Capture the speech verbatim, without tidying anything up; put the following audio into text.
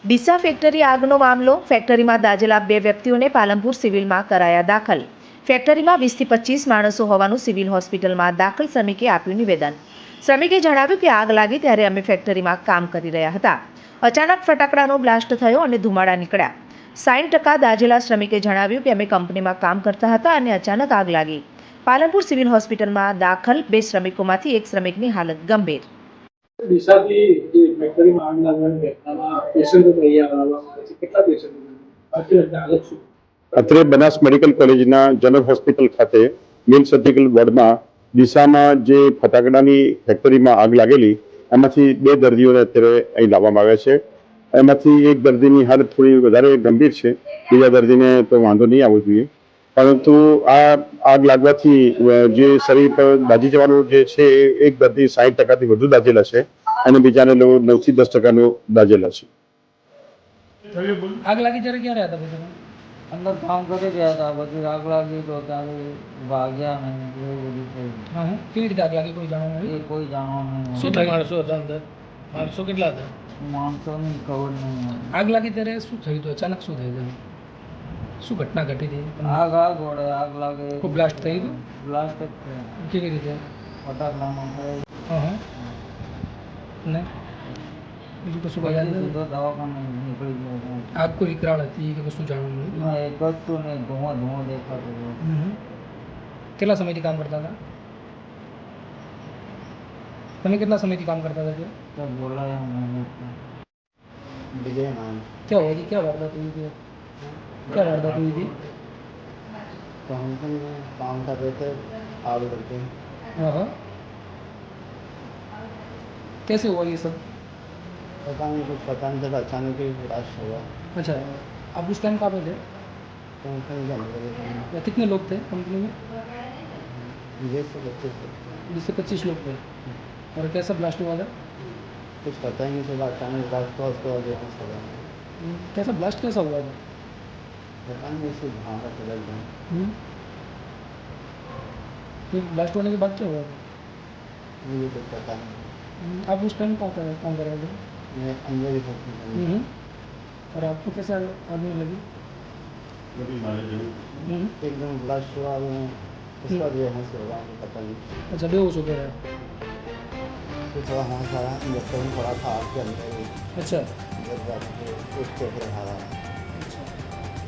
Deesa factory આગનો મામલો. ફેક્ટરીમાં દાઝેલા બે વ્યક્તિઓને પાલનપુર સિવિલમાં કરાયા દાખલ. ફેક્ટરીમાં વીસથી પચીસ માણસો હોવાનું સિવિલ હોસ્પિટલમાં દાખલ શ્રમિકે આપ્યું નિવેદન. શ્રમિકે જણાવ્યું કે આગ લાગી ત્યારે અમે ફેક્ટરીમાં કામ કરી રહ્યા હતા. અચાનક ફટાકડાનો બ્લાસ્ટ થયો અને ધુમાડા નીકળ્યા. સાઠ ટકા દાઝેલા શ્રમિકે જણાવ્યું કે અમે કંપનીમાં કામ કરતા હતા અને અચાનક આગ લાગી. પાલનપુર સિવિલ હોસ્પિટલમાં દાખલ બે શ્રમિકોમાંથી એક શ્રમિકની હાલત ગંભીર. ડીસાથી જે ફેક્ટરીમાં આગ લાગવાની ઘટનામાં પેશન્ટો અહીંયા આવવામાં આવે છે, કેટલા પેશન્ટો અત્યારે હાલત શું? અત્રે બનાસ મેડિકલ કોલેજના જનરલ હોસ્પિટલ ખાતે મેલ સર્જિકલ વોર્ડમાં ડીસામાં જે ફટાકડાની ફેક્ટરીમાં આગ લાગેલી એમાંથી બે દર્દીઓને અત્યારે અહીં લાવવામાં આવ્યા છે. એમાંથી એક દર્દીની હાલત થોડી વધારે ગંભીર છે, બીજા દર્દીને તો વાંધો નહીં આવવો જોઈએ. પરંતુ આ આગ લાગવાથી જે શરીર પર દાઝી જવાનો જે છે એ એક દર્દી સાઠ ટકાથી વધુ દાઝેલા છે અને બીજાને લોકો નવથી દસ ટકાનો દાઝેલા છે. आग लगी जरा क्या रहता था अंदर काम करे गया था, बस आग लगी तो ત્યારે ભાગ ગયા નહીં એવું બધું થયું. हाँ हाँ કેવી રીતે આગ લાગી કોઈ જાણવા એ મળ્યું? કોઈ જાણવા નહીં. શું થયું? માણસો હતા અંદર? માણસો કેટલા હતા? માણસોની ખબર નહીં. આગ લાગી ત્યારે શું થયું હતું? અચાનક શું થયું હતું? શું ઘટના ઘટી હતી? આગ આગ વળે આગ લાગે કોઈ બ્લાસ્ટ થઈ હતું? બ્લાસ્ટ જ થયો. કેવી રીતે? ફટાકડામાં થયો. હા હા ને બીજું કશું કોઈ યાદ પછી નથી? સીધો દવાખાને નીકળી ગયો. આગ કોઈ વિકરાળ હતી કે કશું જાણવા મળ્યું? એમાં એક વસ્તુ ને ધુઓ ધુઓ દેખાતો હતો. હમ. કેટલા સમયથી કામ કરતા હતા તમે? કેટલા સમયથી કામ કરતા હતા? તો બોલાયા નહીં. विजय नाम. क्या हुआ थी? क्या वारदात हुई थी? क्या वारदात हुई थी? तो हम लोग काम कर रहे थे आग करके. हाँ हाँ कैसे हुआ ये सब? पता नहीं कुछ पता नहीं चला, अचानक ही ब्लास्ट हुआ. अच्छा आप उस टाइम कहाँ पे थे? कंपनी के अंदर या कितने लोग थे कंपनी में? बीस से पच्चीस बीस से पच्चीस लोग थे. और कैसा ब्लास्ट हुआ था? कुछ पता ही नहीं चला, अचानक ब्लास्ट हुआ. उसके बाद देखा चला कैसा ब्लास्ट कैसा हुआ था? पता नहीं इससे भागा चला गया. हम्म. फिर ब्लास्ट होने के बाद क्या हुआ था? मुझे कुछ पता नहीं. हम्म, आप उस टाइम कहाँ कर काम कर रहे थे? मैं अंदर ही पहुंची. हम्म. और आपको कैसे आदमी लगी? हम्म. एकदम ब्लास्ट हुआ. मैं उसके बाद ये हंस हुआ, मुझे पता नहीं. अच्छा बेहोश हो गया? फिर थोड़ा हंस आया, इंजेक्शन पड़ा था आग के अंदर ही. अच्छा जब जाके एक चेक रखा था.